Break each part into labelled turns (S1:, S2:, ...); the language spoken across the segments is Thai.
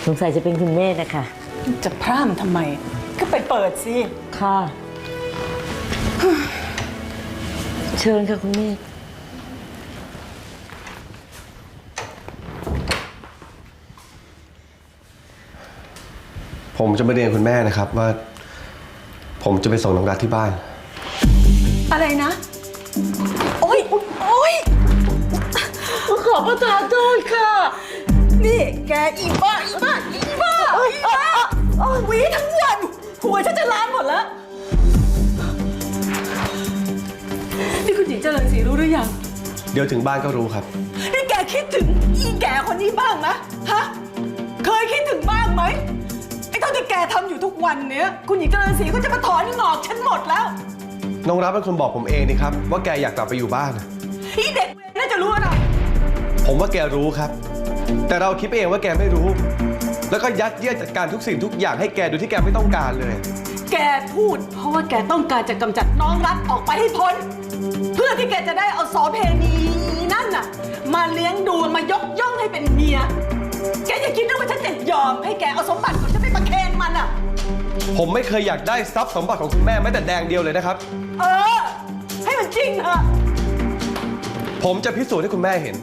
S1: สงสัยจะเป็นคุณแม่นะคะ
S2: จะพร่ำทำไมก็ไปเปิดสิ
S1: ค่ะเชิญค่ะคุณแม่
S3: ผมจะมาเรียนคุณแม่นะครับว่าผมจะไปส่งน้องรัฐที่บ้าน
S2: อะไรนะโอ๊ยโอ๊ย
S1: ขอประทานโทษค่ะ
S2: นี่แกอีบ้าหวีทั้งวันหัวฉันจะล้านหมดแล้วนี่คุณหญิงเจริญศรีรู้หรือยัง
S3: เดี๋ยวถึงบ้านก็รู้ครับ
S2: นี่แกคิดถึงอีแก่คนนี้บ้างไหมฮะเคยคิดถึงบ้างไหมไอ้เท่าที่แกทำอยู่ทุกวันเนี้ยคุณหญิงเจริญศรีก็จะมาถอนงอกฉันหมดแล้ว
S3: น้องรัฐเป็นคนบอกผมเองนี่ครับว่าแกอยากกลับไปอยู่บ้าน
S2: อีเด็กน่าจะรู้อะไร
S3: ผมว่าแกรู้ครับแต่เราคิดเองว่าแกไม่รู้แล้วก็ยัดเยียดจัดการทุกสิ่งทุกอย่างให้แกโดยที่แกไม่ต้องการเลย
S2: แกพูดเพราะว่าแกต้องการจะกำจัดน้องรัฐออกไปให้พ้นเพื่อที่แกจะได้เอาโสเพณีนั่นน่ะมาเลี้ยงดูมายกย่องให้เป็นเมียแกอย่าคิดนะว่าฉันจะยอมให้แกเอาสมบัติของฉันไปประเคนมันอ่ะ
S3: ผมไม่เคยอยากได้ทรัพย์สมบัติของคุณแม่แม้แต่แดงเดียวเลยนะครับ
S2: ให้มันจริงเถอะ
S3: ผมจะพิสูจน์ให้คุณแม่เห็น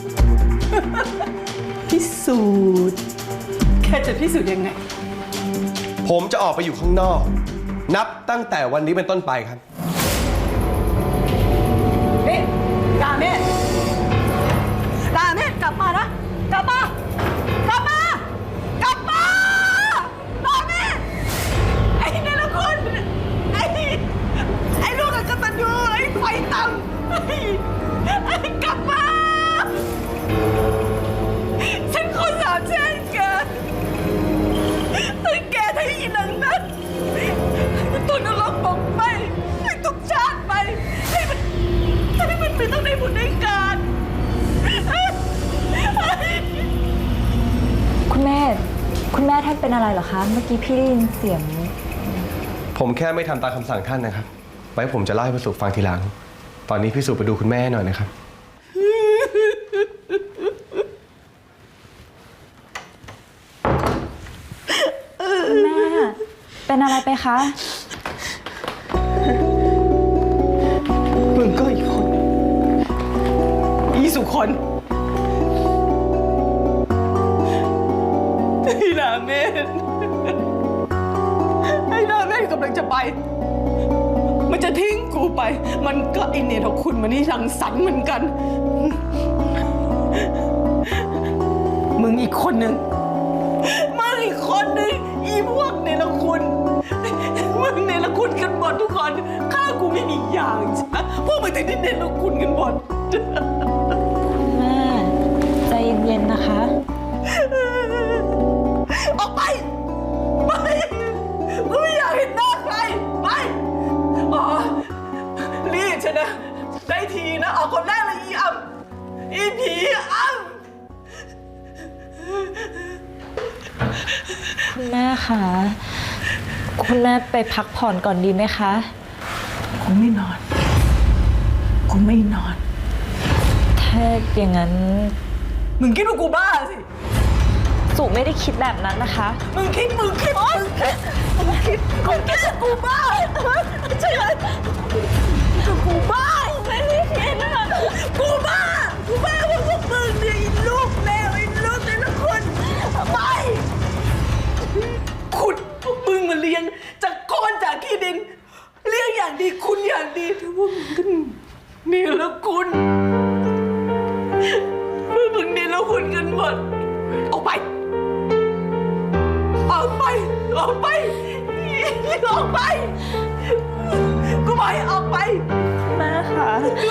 S2: พิสูจน์แค่จะพิสูจน์ยังไง
S3: ผมจะออกไปอยู่ข้างนอกนับตั้งแต่วันนี้เป็นต้นไปครับ
S2: นี่ดาเมศกลับมานะกลับมาดาเมศไอ้เนรคุณไอ้ลูกกตัญญูไอ้ไฟต่ำไอ้กลับมาฉันขอสาบแช่งแกถ้าอีนังนั้นให้ตัวนรกบอกไปให้ทุกชาติไปให้มันไม่ต้องได้บุญได้การ
S4: คุณแม่ท่านเป็นอะไรเหรอคะเมื่อกี้พี่ได้ยินเสียง
S3: ผมแค่ไม่ทำตามคำสั่งท่านนะครับไว้ผมจะเล่าให้พี่สุฟังทีหลังตอนนี้พี่สุไปดูคุณแม่หน่อยนะครับ
S4: คุณแม่เป็นอะไรไปคะ
S2: มึงก็อีกคนอีสุคนไอ้นาเมธกำลังจะไปมันจะทิ้งกูไปมันก็ไอเนรคุณมันนี่รังสรรค์เหมือนกันมึงอีกคนหนึ่งอีพวกเนรคุณมึงเนรคุณกันหมดทุกคนข้ากูไม่มีอย่างใช่ไหมพวกมึงถึงได้เนรคุณกันหมด
S4: คุณแม่ใจเย็นๆนะคะ
S2: ออกไปกูไม่อยากเห็นหน้าใครไปรีบชนะได้ทีนะออกคนแรกเลยอีผี
S4: คุณแม่คะคุณแม่ไปพักผ่อนก่อนดีไหมคะ
S2: กูไม่นอน
S4: ถ้าอย่างนั้น
S2: มึงคิดว่ากูบ้าสิ
S4: สุไม่ได้คิดแบบนั้นนะคะ
S2: มึงคิดว่ากูบ้าใช่ไหมกูบ้าไม่ได้คิดนะกูบ้าพวกมึงเนี่ยลูกเลวลูกแต่ละคนไปขุดพวกมึงมาเลี้ยงจากก้อนจากขี้ดินเลี้ยงอย่างดีคุณอย่างดีแต่พวกมึงกันนี่ละคุณพวกมึงนี่ละคุณกันหมดออกไปกูบอกให้ออกไป
S4: แม่ค่ะ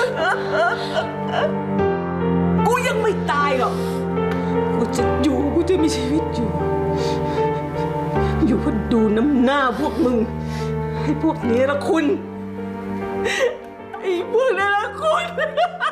S2: กูยังไม่ตายหรอกกูจะมีชีวิตอยู่เพื่อดูน้ำหน้าพวกมึงให้พวกนี้ละคุณไอ้พวกนี้ละคุณ